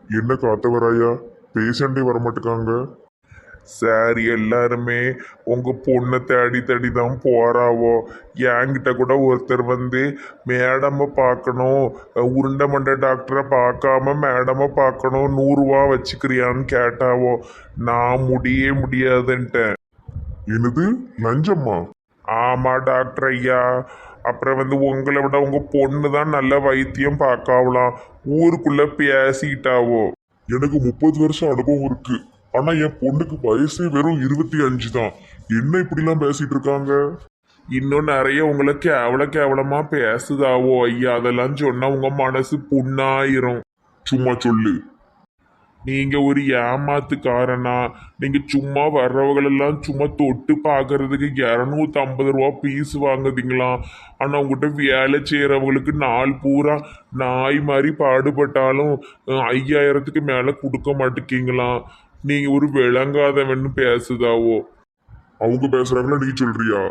என்ன காத்தவராயா, பேஷண்டே வரமாட்டுக்காங்க. சார் எல்லாருமே உங்க பொண்ணை தேடி தேடி தான் போறாவோ. என்கிட்ட கூட ஒருத்தர் வந்து மேடமை பார்க்கணும், உருண்டை மண்டை டாக்டரை பார்க்காம மேடமை பார்க்கணும், 100 ரூபா வச்சுக்கிறியான்னு கேட்டாவோ. நான் முடியாதுன்ட்டேன். என்னது, லஞ்சம்மா? ஆமா டாக்டர் ஐயா. அப்புறம் வந்து உங்களை விட உங்க பொண்ணு தான் நல்ல வைத்தியம் பார்க்காவலாம், ஊருக்குள்ள பேசிட்டாவோ. எனக்கு 30 வருஷம் அனுபவம் இருக்கு. ஆனா என் பொண்ணுக்கு வயசே வெறும் 25 தான். என்ன இப்படிலாம் பேசிட்டு இருக்காங்க? இன்னும் நிறைய உங்களை கேவலமா பேசுதாவோ ஐயா. அதெல்லாம் சொன்னா உங்க மனசு புண்ணாயிரும். சும்மா சொல்லு. நீங்க ஒரு ஏமாத்துக்காரனா? நீங்க சும்மா வர்றவங்களெல்லாம் சும்மா தொட்டு பார்க்கறதுக்கு 250 ரூபா பீஸ் வாங்குதீங்களாம். ஆனா உங்ககிட்ட வேலை செய்யறவங்களுக்கு நாள் பூரா நாய் மாதிரி பாடுபட்டாலும் 5000க்கு மேல கொடுக்க மாட்டேங்கீங்களாம். நீங்க ஒரு விளங்காதவன்னு பேசுதாவோ. அவங்க பேசுறாங்களா, நீ சொல்றியா?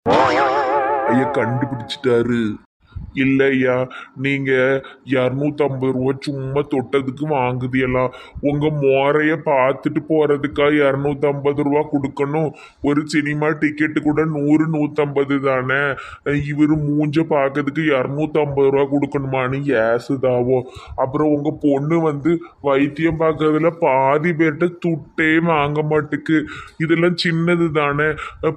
ஐயா கண்டுபிடிச்சிட்டாரு. இல்லையா, நீங்க 250 ரூபா சும்மா தொட்டதுக்கு வாங்குதியெல்லாம். உங்க மோரைய பார்த்துட்டு போறதுக்கா 250 ரூபா கொடுக்கணும்? ஒரு சினிமா டிக்கெட்டு கூட 100 150 தானே. இவரு மூஞ்ச பார்க்கறதுக்கு 250 ரூபா கொடுக்கணுமான்னு ஏசுதாவோ. அப்புறம் உங்க பொண்ணு வந்து வைத்தியம் பார்க்கறதுல பாதி பேர்கிட்ட துட்டே வாங்க மாட்டுக்கு. இதெல்லாம் சின்னது தானே,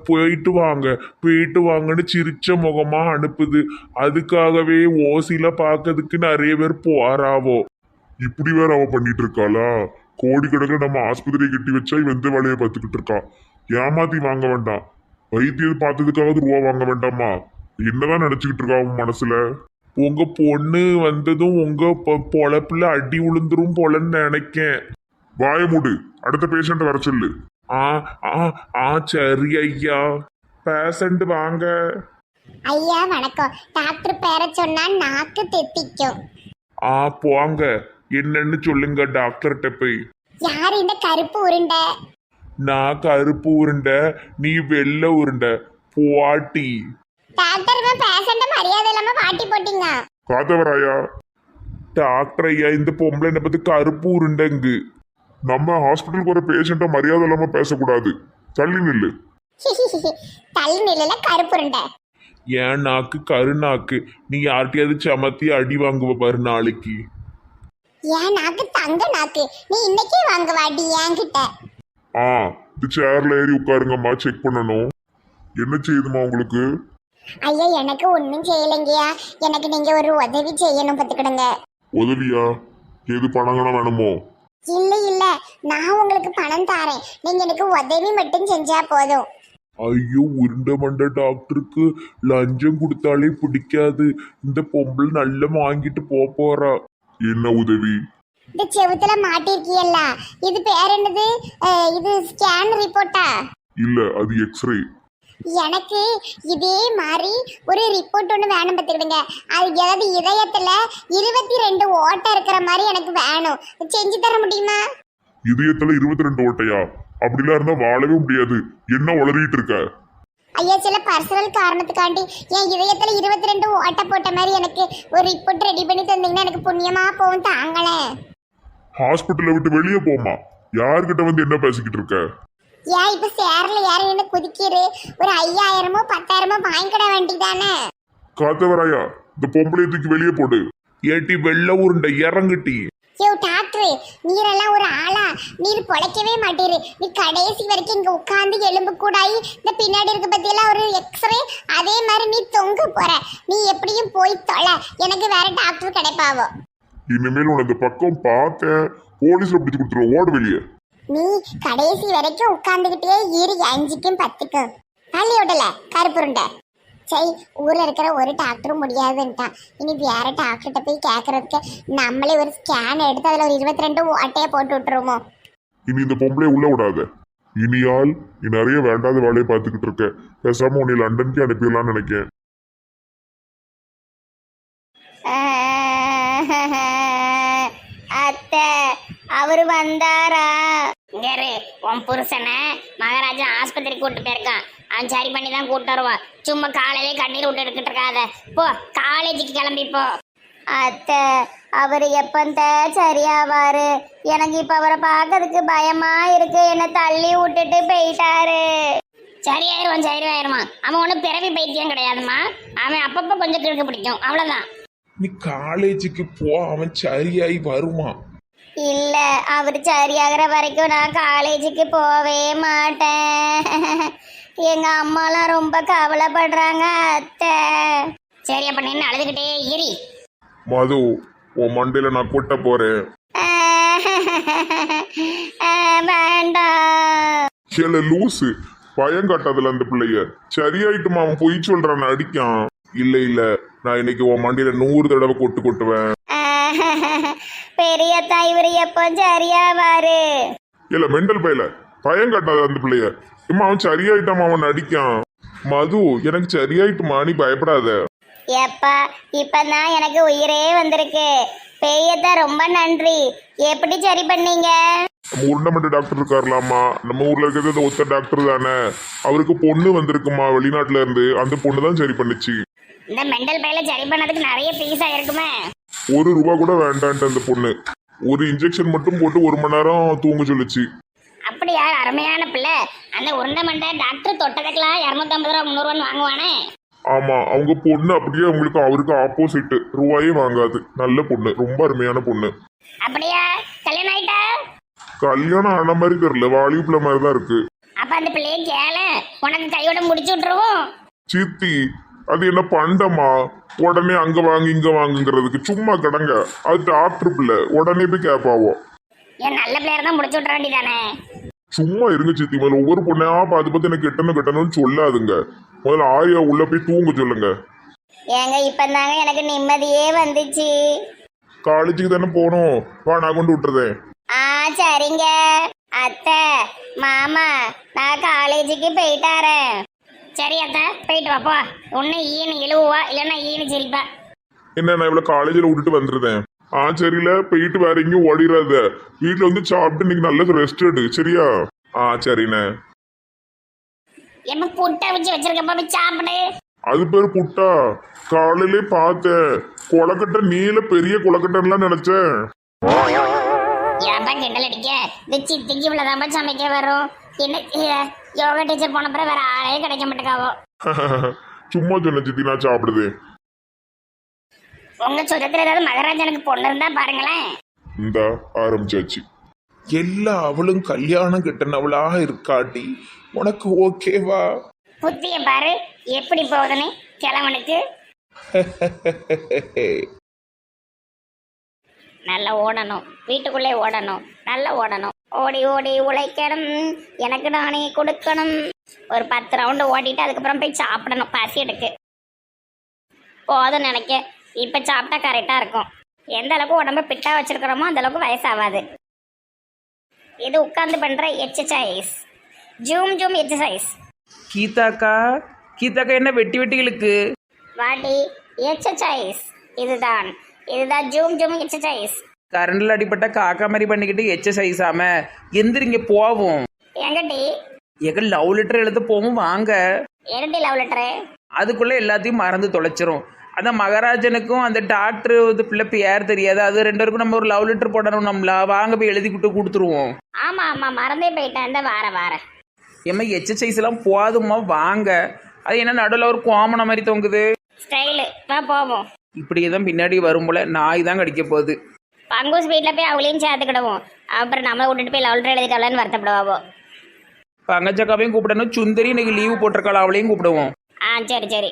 போயிட்டு வாங்கன்னு சிரிச்ச முகமா அனுப்புது. அதுக்காகவே ஓசில பார்க்கறதுக்கு நிறைய பேர் போறாவோ. இப்படி வேற அவ பண்ணிட்டு இருக்காளா? கோடிக்கணக்கில் நம்ம ஆஸ்பத்திரியை கட்டி வச்சா இவன் எந்த வேலையை பார்த்துக்கிட்டு இருக்கா? ஏமாத்தி வாங்க வேண்டாம், வைத்தியம் பார்த்ததுக்காவது ரூபா வாங்க வேண்டாமா? என்னதான் நினைச்சுக்கிட்டு இருக்கா அவன் மனசுல? உங்க பொண்ணு வந்ததும் உங்க பொழப்புல அடி உளுந்துரும் போலன்னு நினைக்கேன். வாய மூடு, அடுத்த பேஷண்ட் வர சொல்லு. ஆ ஆ ஆ சரி ஐயா. பேஷண்ட் வாங்க. ஐயா வணக்கம். டாக்டர் பேரை சொன்னா நாக்கு தெத்திக்கும். போங்க, என்னன்னு சொல்லுங்க டாக்டர்கிட்ட போய். யார் இந்த கருப்பு உருண்டை? நான் கருப்பு உருண்டை, நீ வெள்ளை உருண்டை. போட்டி டாக்டர் பேஷண்ட மரியாதை இல்லாம பாட்டி போட்டீங்க. காத்தவராயா. டாக்டர் ஐயா, இந்த பொம்பளை என்ன பத்தி கருப்பு உருண்டைங்கு. நம்ம ஹாஸ்பிட்டலுக்கு வர பேஷண்ட்டை மரியாதை இல்லாம பேசக்கூடாது. தள்ளி நில்லு. தள்ளி நிலையில கருப்பு உருண்டை. ஏன் நாக்கு கருநாக்கு. நீ யார்கிட்டயாவது சமத்தி அடி வாங்குவ பாரு நாளைக்கு. ஏன் நாக்கு தங்க நாக்கு, நீ இன்னைக்கே வாங்க வாடி என்கிட்ட. இந்த சேர்ல ஏறி உட்காருங்கம்மா, செக் பண்ணணும். என்ன செய்யுதுமா உங்களுக்கு? ஐயா எனக்கு ஒன்றும் செய்யலைங்கய்யா. எனக்கு நீங்க ஒரு உதவி செய்யணும், பார்த்துக்கிடுங்க. உதவியா? எது, பணங்களாம் வேணுமோ? இல்ல நான் உங்களுக்கு பணம் தாரேன், நீங்க எனக்கு உதவி மட்டும் செஞ்சா போதும். ஐயோ, உருண்டை மண்டை டாக்டருக்கு லஞ்சம் கொடுத்தாலே பிடிக்காது. இந்த பொம்பளை நல்லா வாங்கிட்டு போறா. என்ன உதவி? இந்த செவுத்துல மாட்டிருக்கியல்ல, இது பேர் என்னது? இது ஸ்கேன் ரிப்போர்ட்டா? இல்ல, அது எக்ஸ்ரே. எனக்கு இதே மாதிரி ஒரு ரிப்போர்ட் ஒன்று வேணும், பார்த்துக்கிடுங்க. அது ஏதாவது இதயத்துல 22 ஓட்டை இருக்கிற மாதிரி எனக்கு வேணும். செஞ்சு தர முடியுமா? இதயத்துல 22 ஓட்டையா? அப்படிலாம் இருந்தா வாழவே முடியாது. என்ன உளறிட்டு இருக்க? ஐயா, சில பர்சனல் காரணத்துக்காண்டி என் இதயத்துல 22 ஓட்டை போட்ட மாதிரி எனக்கு ஒரு ரிப்போர்ட் ரெடி பண்ணி தந்தீங்கன்னா எனக்கு புண்ணியமா போகும், தாங்களேன். ஹாஸ்பிட்டலை விட்டு வெளியே போமா. யார்கிட்ட வந்து என்ன பேசிக்கிட்டு இருக்க? ஏன் இப்ப சேர்ல யாரும் என்ன குதிக்கிறு? ஒரு 5000மோ 10,000மோ வாங்கிக்கிட வேண்டியதானே? காத்தவராயா, இந்த பொம்பளையை தூக்கி வெளியே போடு. ஏட்டி வெள்ள உருண்டை, இறங்குட்டி. யோ டாக்டர், நீரெல்லாம் ஒரு ஆளா? நீர் பொழைக்கவே மாட்டீரு. நீ கடைசி வரைக்கும் இங்க உட்காந்து எலும்பு கூடாயி இந்த பின்னாடி இருக்க பத்தியெல்லாம் ஒரு எக்ஸ்ரே, அதே மாதிரி நீ தொங்க போற. நீ எப்படியும் போய் தொலை, எனக்கு வேற டாக்டர் கிடைப்பாவோ. இனிமேல் உனக்கு பக்கம் பார்த்த போலீஸ்ல பிடிச்சு கொடுத்துருவோம். ஓடு வெளியே. நீ கடைசி வரைக்கும் உட்கார்ந்துகிட்டே இரு, 5க்கும் 10க்கும் தள்ளி விடல கருப்புருண்டை. சரி, ஊர்ல இருக்கிற ஒரு டாக்டரும் முடியாதுன்ட்டான். இனி வேற டாக்டர்கிட்ட போய் கேட்கறதுக்கு நம்மளே ஒரு ஸ்கேன் எடுத்து அதுல ஒரு 22 ஓட்டையை போட்டு விட்டுருவோமோ. இனி இந்த பொம்பளையை உள்ள விடாத. இனியால் நீ நிறைய வேண்டாத வேலையை பார்த்துக்கிட்டு இருக்க. பேசாம உன்னை லண்டனுக்கு அனுப்பிடலாம்னு நினைக்கிறேன். அத்தை, அவரு வந்தாரா? இங்கரு, உன் புருஷனை மகாராஜா ஆஸ்பத்திரி கூட்டு போயிருக்கான். அவன் சரி பண்ணி தான் கூட்டு வருவான். சும்மா காலையிலே கண்ணீர் விட்டு எடுக்கிட்டு இருக்காத. போ, காலேஜுக்கு கிளம்பி போ. அத்தை அவர் எப்பந்த சரியாவாரு? எனக்கு இப்ப அவரை பார்க்கறதுக்கு பயமா இருக்கு. என்ன தள்ளி விட்டுட்டு போயிட்டாரு. சரியாயிருமா. அவன் ஒன்றும் பிறவி பைத்தியம் கிடையாதுமா. அவன் அப்பப்போ கொஞ்சம் கிழக்கு பிடிக்கும், அவ்வளோதான். நீ காலேஜுக்கு போ, அவன் சரியாயி வருவான். இல்ல, அவர் சரியாகிற வரைக்கும் நான் காலேஜுக்கு போவே மாட்டேன். எங்க அம்மாலாம் ரொம்ப கவலைப்படுறாங்க அத்தை. சரி, அப்ப நின்று அழுதுகிட்டே இரி. மது, உன் மண்டையில நான் கொட்ட போறேன். வேண்டாம். கேள லூசு, பயம் காட்டாதுல அந்த பிள்ளைய. சரியாயிட்டுமா, அவன் பொய் சொல்றான், அடிக்கான். இல்ல நான் இன்னைக்கு உன் மண்டையில 100 தடவை கொட்டுவேன். பெரியத்தா இவரு எப்போ சரியாவாரு? இல்ல மெண்டல் பையல, பயம் காட்டாத அந்த பிள்ளைய. இம்மா அவன் சரியாயிட்டாமா, அவன் அடிக்கான். மது, எனக்கு சரியாயிட்டுமா, நீ பயப்படாத. எப்பா இப்பதான் எனக்கு உயிரே வந்திருக்கு. பெரியத்தா ரொம்ப நன்றி. எப்படி சரி பண்ணீங்க? நம்ம உருண்டமட்ட டாக்டர் இருக்காருலாமா, நம்ம ஊர்ல இருக்கிறது அந்த ஒத்த டாக்டர் தானே. அவருக்கு பொண்ணு வந்திருக்குமா வெளிநாட்டுல இருந்து, அந்த பொண்ணு தான் சரி பண்ணுச்சு. இந்த மெண்டல் பையில சரி பண்ணதுக்கு நிறைய பீஸ் ஆயிருக்குமே. ₹1 கூட வேண்டான்ட்டு அந்த பொண்ணு ஒரு இன்ஜெக்ஷன் மட்டும் போட்டு 1 மணி நேரம் தூங்க சொல்லுச்சு. அப்படியா? அருமையான பிள்ளை. அந்த உருண்டை மண்டை டாக்டர் தொட்டதுக்கெல்லாம் 250 ரூபா 300 வாங்குவானே. ஆமா, அவங்க பொண்ணு அப்படியே அவருக்கு ஆப்போசிட், ரூபாயே வாங்காது. நல்ல பொண்ணு, ரொம்ப அருமையான பொண்ணு. அப்படியா? கல்யாணம் ஆயிட்டா? கல்யாணம் ஆன மாதிரி தெரியல, வாலிபுல மாதிரி தான் இருக்கு. அப்ப அந்த பிள்ளைய கேள, உனக்கு கையோட முடிச்சு விட்டுருவோம். சித்தி, அது என்ன பண்டமா உடனே அங்க வாங்க இங்க வாங்குங்கிறதுக்கு? சும்மா கிடங்க, அது டாக்டர் பிள்ளை, உடனே போய் கேட்பாவோ. என் நல்ல பிள்ளையர் தான் முடிச்சு விட்டுற வேண்டியதானே. சும்மா இருங்க சித்தி, முதல்ல ஒவ்வொரு பொண்ணையா பார்த்து எனக்கு கெட்டணும்னு சொல்லாதுங்க. முதல்ல ஆயா உள்ள போய் தூங்க சொல்லுங்க. ஏங்க இப்பதாங்க எனக்கு நிம்மதியே வந்துச்சு. காலேஜுக்கு தானே போகணும், வா நான் கொண்டு விட்டுறதேன். சரிங்க அத்தை. மாமா, நான் காலேஜுக்கு போயிட்டாரேன். சரி அத்தை, போயிட்டு வாப்பா. ஒன்னு ஈனு இழுவா, இல்லைன்னா ஈனு சிரிப்பா. என்ன, நான் இவ்வளவு காலேஜில் விட்டுட்டு வந்துருந்தேன். சரியில்ல, போயிட்டு வேற எங்கேயும் ஓடிடாத. வீட்டுல வந்து சாப்பிட்டு இன்னைக்கு நல்ல ரெஸ்ட் எடு, சரியா? சரிண்ணே. எப்ப புட்டை வச்சு வச்சிருக்கப்ப போய் சாப்பிடு. அது பேர் புட்டா? காலையிலே பார்த்தேன், கொலக்கட்டை நீல பெரிய கொலக்கட்டைலாம் நினைச்சேன். ஏன்ப்பா கிண்டல் அடிக்க? இந்த சித்திக்கு இவ்வளவுதான் சமைக்க வரும். என்ன யோகா டீச்சர் போன பிறகு வேற ஆளே கிடைக்க மாட்டேக்காவோ. சும்மா சொன்ன சித்தி, நான் சாப்பிடுதேன். உங்க சொந்தத்துல ஏதாவது மகராஜனுக்கு பொண்ணு இருந்தா பாருங்களேன். இந்த ஆரம்பிச்சாச்சு. எல்லா அவளும் கல்யாணம் கெட்டனவளாக இருக்காட்டி உனக்கு ஓகேவா? புத்திய பாரு எப்படி போகுதுன்னு கிழவனுக்கு. நல்லா ஓடணும், வீட்டுக்குள்ளே ஓடணும், நல்லா ஓடணும். ஓடி ஓடி உழைக்கணும், எனக்கு நானே கொடுக்கணும். ஒரு 10 ரவுண்டு ஓடிட்டு அதுக்கப்புறம் போய் சாப்பிடணும், பசி எடுக்கு. போதும் நினைக்க. இப்போ சாப்பிட்டா கரெக்டாக இருக்கும். எந்த அளவுக்கு உடம்பு பிட்டா வச்சிருக்கிறோமோ அந்த அளவுக்கு வயசாகாது. இது உட்கார்ந்து பண்ற எக்ஸசைஸ், ஜூம் எக்ஸசைஸ். கீதாக்கா என்ன வெட்டி இழுக்கு? வாடி எக்ஸசைஸ். இதுதான் ஜூம் எக்ஸசைஸ். கரண்டில் அடிப்பட்ட காக்கா மாதிரி பண்ணிக்கிட்டு எக்ஸசைஸ் ஆம எந்திரிங்க போவோம். எங்கடி? எங்க லவ் லெட்டர் எழுத போவோம் வாங்க. என்னடி லவ் லெட்டரு? அதுக்குள்ள எல்லாத்தையும் மறந்து தொலைச்சிரும். அந்த மகாராஜனுக்கும் அந்த டாக்டர் பிள்ளை பேர் தெரியாது, அது 2 பேருக்கும் நம்ம ஒரு லவ் லெட்டர் போடணும். நம்மளா வாங்க போய் எழுதி கொடுத்துருவோம். ஆமா மறந்தே போயிட்டேன். இந்த வார ஏமா எக்ஸசைஸ் எல்லாம் போதுமா வாங்க. அது என்ன நடுவில் ஒரு கோமன மாதிரி தொங்குது ஸ்டைலு. வா போவோம். இப்படியே தான் பின்னாடி வரும் போல நாய் தான் கடிக்க போகுது. பங்கூஸ் வீட்டில் போய் அவளையும் சேர்த்துக்கிடுவோம். அப்புறம் நம்மளை விட்டுட்டு போய் லவ் லெட்டர் எழுதிக்கலான்னு வருத்தப்படுவாவோ. பங்கச்சக்காவையும் கூப்பிடணும். சுந்தரி இன்னைக்கு லீவு போட்டிருக்காள், அவளையும் கூப்பிடுவோம். சரி.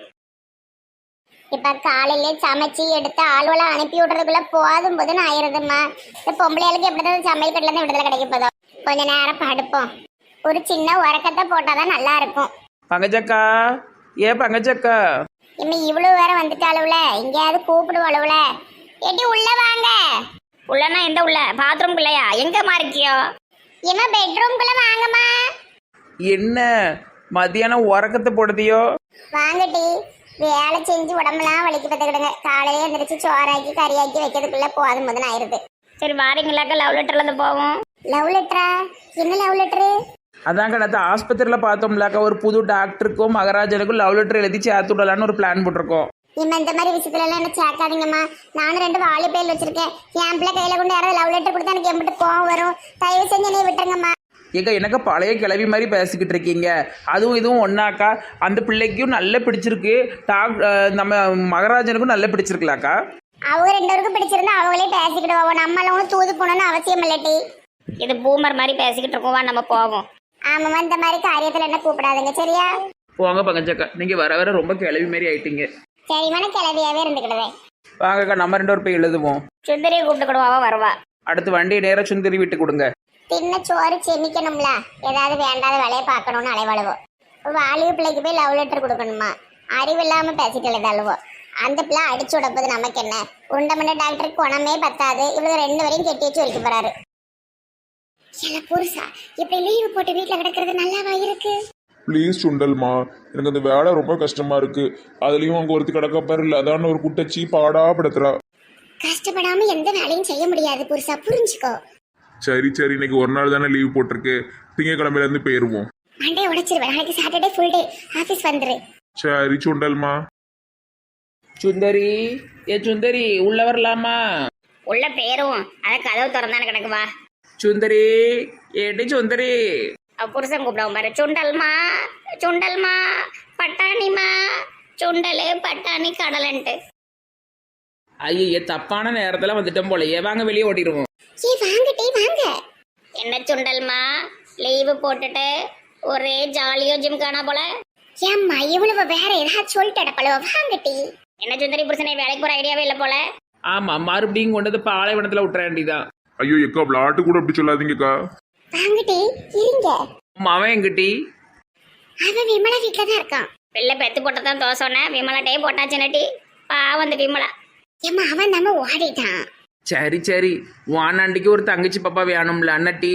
இப்ப காலையில சமைச்சு எடுத்து ஆளுவெல்லாம் அனுப்பி விடுறதுக்குள்ள போதும் ஆயிருதுமா. இந்த பொம்பளைகளுக்கு எப்படிதான் சமையல் கட்டில இருந்து விடுதலை கிடைக்க போதும். கொஞ்ச நேரம் படுப்போம். ஒரு சின்ன உறக்கத்தை போட்டாதான் நல்லா இருக்கும். பங்கச்சக்கா, பங்கச்சக்கா இம்ம இவ்வளவு வேற வந்துட்டாளுல, எங்கேயாவது கூப்பிடுவாளுல. எட்டி உள்ள வாங்க. உள்ளனா எந்த உள்ள? பாத்ரூம் குள்ளையா? எங்கம்மா இருக்கியோ? இம்மா பெட்ரூம்குள்ள வாங்கம்மா. என்ன மத்தியானம் உறக்கத்தை போடுதியோ? வாங்கட்டி, வேலை செஞ்சு உடம்பெல்லாம் வலிக்கு பார்த்துக்கிடுங்க. காலையில எழுந்திரிச்சு சோறாக்கி கறியாக்கி வைக்கிறதுக்குள்ள போதும் ஆயிருது. சரி வாரீங்களாக்க லவ் லெட்டர்ல இருந்து போவோம். லவ் லெட்டரா? என்ன லவ் லெட்டரு? அதான் கடத்த ஆஸ்பத்திரியில் பார்த்தோம்லாக்கா, ஒரு புது டாக்டருக்கும் மகாராஜனுக்கும் லவ் லெட்டர் எழுதி சேர்த்து விடலான்னு ஒரு பிளான் போட்டிருக்கோம். இம்மா இந்த மாதிரி விஷயத்துல எல்லாம் என்ன சேர்க்காதீங்கம்மா. நானும் 2 வாலிபேல் வச்சிருக்கேன். என் பிள்ளை கையில கொண்டு யாராவது லவ் லெட்டர் கொடுத்தா எனக்கு எம்பிட்டு கோவம் வரும். தயவு செஞ்சு என்னைய விட்டுருங்கம்மா. ஏக்கா எனக்கு பழைய கிளவி மாதிரி பேசிக்கிட்டு இருக்கீங்க. அதுவும் இதுவும் ஒன்றாக்கா. அந்த பிள்ளைக்கும் நல்ல பிடிச்சிருக்கு. நம்ம மகராஜனுக்கும் நல்ல பிடிச்சிருக்கலாக்கா. அவங்க 2 பேருக்கும் பிடிச்சிருந்தா அவங்களே பேசிக்கிடுவோம். நம்மளும் தூது போகணும்னு அவசியம் இல்லட்டி. இது பூமர் மாதிரி பேசிக்கிட்டு இருக்கோம், வா நம்ம போவோம். ஆமாம்மா, இந்த மாதிரி காரியத்துல என்ன கூப்பிடாதுங்க சரியா? போங்க பங்கஜக்கா, நீங்கள் வர வர ரொம்ப கிளவி மாதிரி ஆயிட்டீங்க. சரிமான கிளவியாவே இருந்துக்கிடுவேன். வாங்கக்கா, நம்ம 2 பேர் போய் எழுதுவோம். சுந்தரியை கூப்பிட்டுக்கிடுவாவா வருவா. அடுத்து வண்டியை நேராக சுந்தரி விட்டு கொடுங்க. தின்ன சோறு செமிக்கணும்ல, ஏதாவது வேண்டாத வேலையை பார்க்கணும்னு அலைவாழுவோம். வாலிப பிள்ளைக்கு போய் லவ் லெட்டர் கொடுக்கணுமா? அறிவு இல்லாம பேசிட்டு எழுதாளுவோம். அந்த பிள்ளை அடிச்சு விடப்போது நமக்கு என்ன? உண்டமண்ட டாக்டருக்கு குணமே பத்தாது. இவளுக்கு 2 வரையும் கெட்டி வச்சு வைக்க போறாரு. சில புருஷா இப்படி லீவு போட்டு வீட்டுல கிடக்கிறது நல்லாவா இருக்கு? ப்ளீஸ் சுண்டல்மா, எனக்கு அந்த வேலை ரொம்ப கஷ்டமா இருக்கு. அதுலயும் அங்க ஒருத்தி கிடக்க பாரு, இல்லை அதான் ஒரு குட்டச்சி பாடா படுத்துறா. கஷ்டப்படாம எந்த வேலையும் செய்ய முடியாது புருஷா, புரிஞ்சுக்கோ. சரி சரி, இன்னைக்கு ஒரு நாள் தானே லீவ் போட்டிருக்கு. திங்கக்கிழமையில இருந்து போயிருவோம். மண்டே உடைச்சிருவேன். நாளைக்கு சாட்டர்டே ஃபுல் டே ஆபீஸ் வந்துரு. சரி சுண்டல்மா. சுந்தரி, சுந்தரி உள்ள வரலாமா? உள்ள பேரும் அதை கதவு திறந்தானு கிடக்கு, வா. சுந்தரி, ஏடி சுந்தரி. புருஷன் கூப்பிடுவோம் பாரு. சுண்டல்மா, சுண்டல்மா, பட்டாணிமா, சுண்டலு பட்டாணி கடலன்ட்டு. ஐயே, தப்பான நேரத்தில் வந்துட்டோம் போலயே. வாங்க வெளியே ஓட்டிடுவோம். வாங்கட்டே வாங்க. என்ன சுண்டல்மா, லீவு போட்டுட்டு ஒரே ஜாலியோ ஜிம் காணா போல. ஏம்மா இவ்வளவு வேற ஏதாவது சொல்லிட்டு அடப்பளவ வாங்கட்டி. என்ன சுந்தரி, புருஷனை வேலைக்கு போற ஐடியாவே இல்லை போல. ஆமாம், மறுபடியும் கொண்டு வந்து பாலைவனத்தில் விட்டுற வேண்டியதான். ஐயோ எக்கா, விளாட்டு கூட அப்படி சொல்லாதீங்கக்கா. வாங்கட்டி இருங்க. அவன் எங்கிட்டி? அவன் விமலா வீட்டுல தான் இருக்கான். பிள்ளை பெத்து போட்டதான் தோசை விமலாட்டே போட்டாச்சு நட்டி. பாவம் அந்த விமலா. ஏம்மா அவன் நம்ம ஓடிட்டான். சரி சரி, வானாண்டிக்கு ஒரு தங்கச்சி பாப்பா வேணும்ல அண்ணட்டி.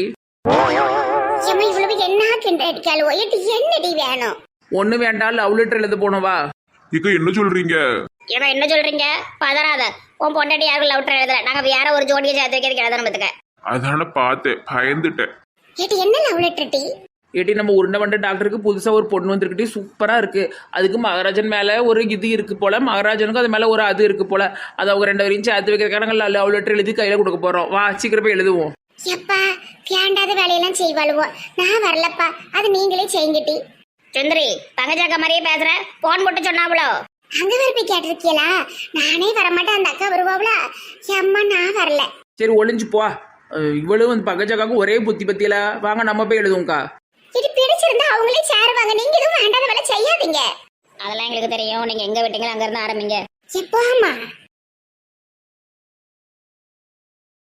ஏம்மா இவ்வளவு என்ன கிண்ட அடிக்காளுவோ? என்னடி வேணும்? ஒண்ணு வேண்டாம், லவ் லெட்டர் எழுத போனவா. இக்கா என்ன சொல்றீங்க? ஏன்னா என்ன சொல்றீங்க? பதறாத. உன் பொண்டாட்டி யாருக்கும் லவ் லெட்டர் எழுதல. நாங்க வேற ஒரு ஜோடியை சேர்த்து வைக்கிறதுக்கு எழுதணும் பத்துக்க. அதான பார்த்தேன், பயந்துட்டேன். ஏடி என்ன லவ் லெட்டர் டி? ஏட்டி, நம்ம உருண்டை வண்ட டாக்டருக்கு புதுசாக ஒரு பொண்ணு வந்துருக்கிட்டே சூப்பராக இருக்குது. அதுக்கு மகாராஜன் மேலே ஒரு இது இருக்குது போல், மகாராஜனுக்கும் அது மேலே ஒரு அது இருக்குது போல். அதை அவங்க 2 வரையும் சேர்த்து வைக்கிறதுக்காக நாங்கள் லவ் லெட்டர் எழுதி கையில் கொடுக்க போகிறோம். வா சீக்கிரம் போய் எழுதுவோம். எப்பா வேண்டாத வேலையெல்லாம் செய்வாளுவோம். நான் வரலப்பா, அது நீங்களே செய்யுங்கட்டி. சுந்தரி, பங்கஜாக்கா மாதிரியே பேசுற. போன் போட்டு சொன்னாவளோ? அங்க வர போய் கேட்டிருக்கீங்களா? நானே வரமாட்டேன், அந்த அக்கா வருவாங்களா? அம்மா நான் வரல. சரி ஒளிஞ்சு போ. இவளும் வந்து பங்கஜாக்காவுக்கும் ஒரே புத்தி பத்தியில. வாங்க நம்ம போய் எழுதுவோம்க்கா. இது பிடிச்சிருந்தா அவங்களே சேருவாங்க. நீங்க எதுவும் வேண்டாத வேலை செய்யாதீங்க. அதெல்லாம் எங்களுக்கு தெரியும். நீங்க எங்க விட்டீங்களோ அங்க இருந்து ஆரம்பிங்க. எப்போமா